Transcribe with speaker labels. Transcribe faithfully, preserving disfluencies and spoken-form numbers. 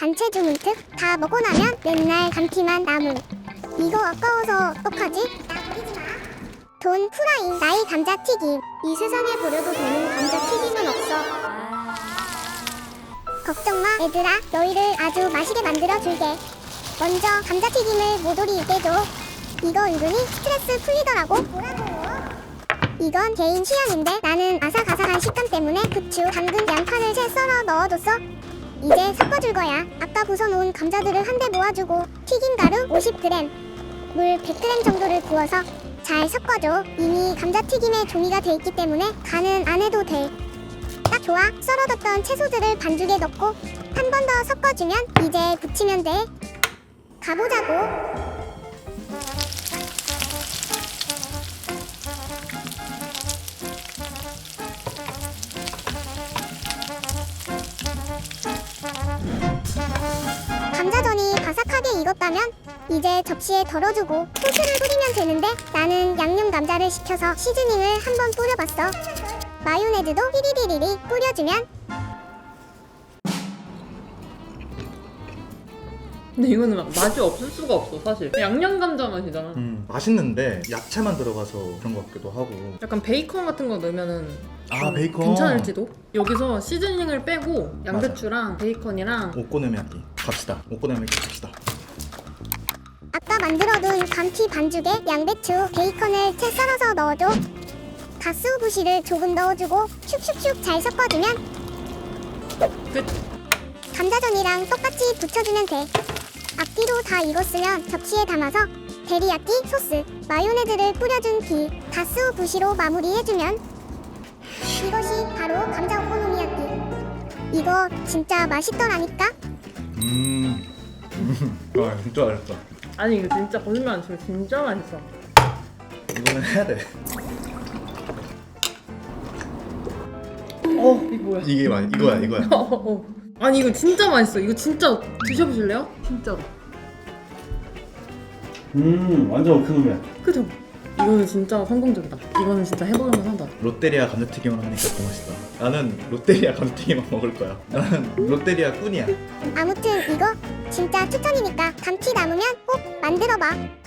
Speaker 1: 단체 주문 특. 다 먹고 나면 맨날 감튀만 남음. 이거 아까워서 어떡하지? 나 버리지 마. 돈 프라임 나이 감자튀김. 이 세상에 버려도 되는 감자튀김은 없어. 걱정 마 얘들아, 너희를 아주 맛있게 만들어 줄게. 먼저 감자튀김을 모조리 떼줘. 이거 은근히 스트레스 풀리더라고. 이건 개인 취향인데 나는 아삭아삭한 식감 때문에 부추, 당근, 양파를 채 썰어 넣어줬어. 이제 섞어줄 거야. 아까 부숴놓은 감자들을 한데 모아주고 튀김가루 오십 그램, 물 백 그램 정도를 부어서 잘 섞어줘. 이미 감자튀김에 조미가 돼 있기 때문에 간은 안 해도 돼. 딱 좋아. 썰어뒀던 채소들을 반죽에 넣고 한 번 더 섞어주면 이제 부치면 돼. 가보자고. 감자전이 바삭하게 익었다면 이제 접시에 덜어주고 소스를 뿌리면 되는데 나는 양념 감자를 시켜서 시즈닝을 한번 뿌려봤어. 마요네즈도 삐리리리리 뿌려주면.
Speaker 2: 근데 이거는 막 맛이 없을 수가 없어 사실. 양념 감자 맛이잖아.
Speaker 3: 음, 맛있는데 야채만 들어가서 그런 것 같기도 하고.
Speaker 2: 약간 베이컨 같은 거 넣으면은
Speaker 3: 아,
Speaker 2: 좀
Speaker 3: 베이컨.
Speaker 2: 괜찮을지도. 여기서 시즈닝을 빼고 양배추랑 베이컨이랑
Speaker 3: 오코노미야끼 갑시다. 오코노미야끼 갑시다.
Speaker 1: 아까 만들어둔 감튀 반죽에 양배추, 베이컨을 채 썰어서 넣어줘. 가스오부시를 조금 넣어주고 슉슉슉 잘 섞어주면
Speaker 2: 끝.
Speaker 1: 감자전이랑 똑같이 부쳐주면 돼. 앞뒤로 다 익었으면 접시에 담아서 데리야끼 소스, 마요네즈를 뿌려준 뒤 가스오부시로 마무리해주면 이것이 바로 감자 오코노미야끼. 이거 진짜 맛있더라니까.
Speaker 3: 음, 와 진짜 맛있다.
Speaker 2: 아니 이거 진짜 거짓말 안 치고 진짜 맛있어.
Speaker 3: 이거는 해야 돼.
Speaker 2: 어 이거 뭐야?
Speaker 3: 이게 맛 이거야 이거야.
Speaker 2: 어, 어. 아니 이거 진짜 맛있어. 이거 진짜 드셔보실래요? 진짜로.
Speaker 4: 음 완전 오크놈이야.
Speaker 2: 그죠? 이거는 진짜 성공적이다. 이거는 진짜 해볼만 하다.
Speaker 3: 롯데리아 감자튀김을 하니까 더 맛있다. 나는 롯데리아 감자튀김만 먹을 거야. 나는 롯데리아 꾼이야.
Speaker 1: 아무튼 이거 진짜 추천이니까 감튀 남으면 꼭 만들어봐.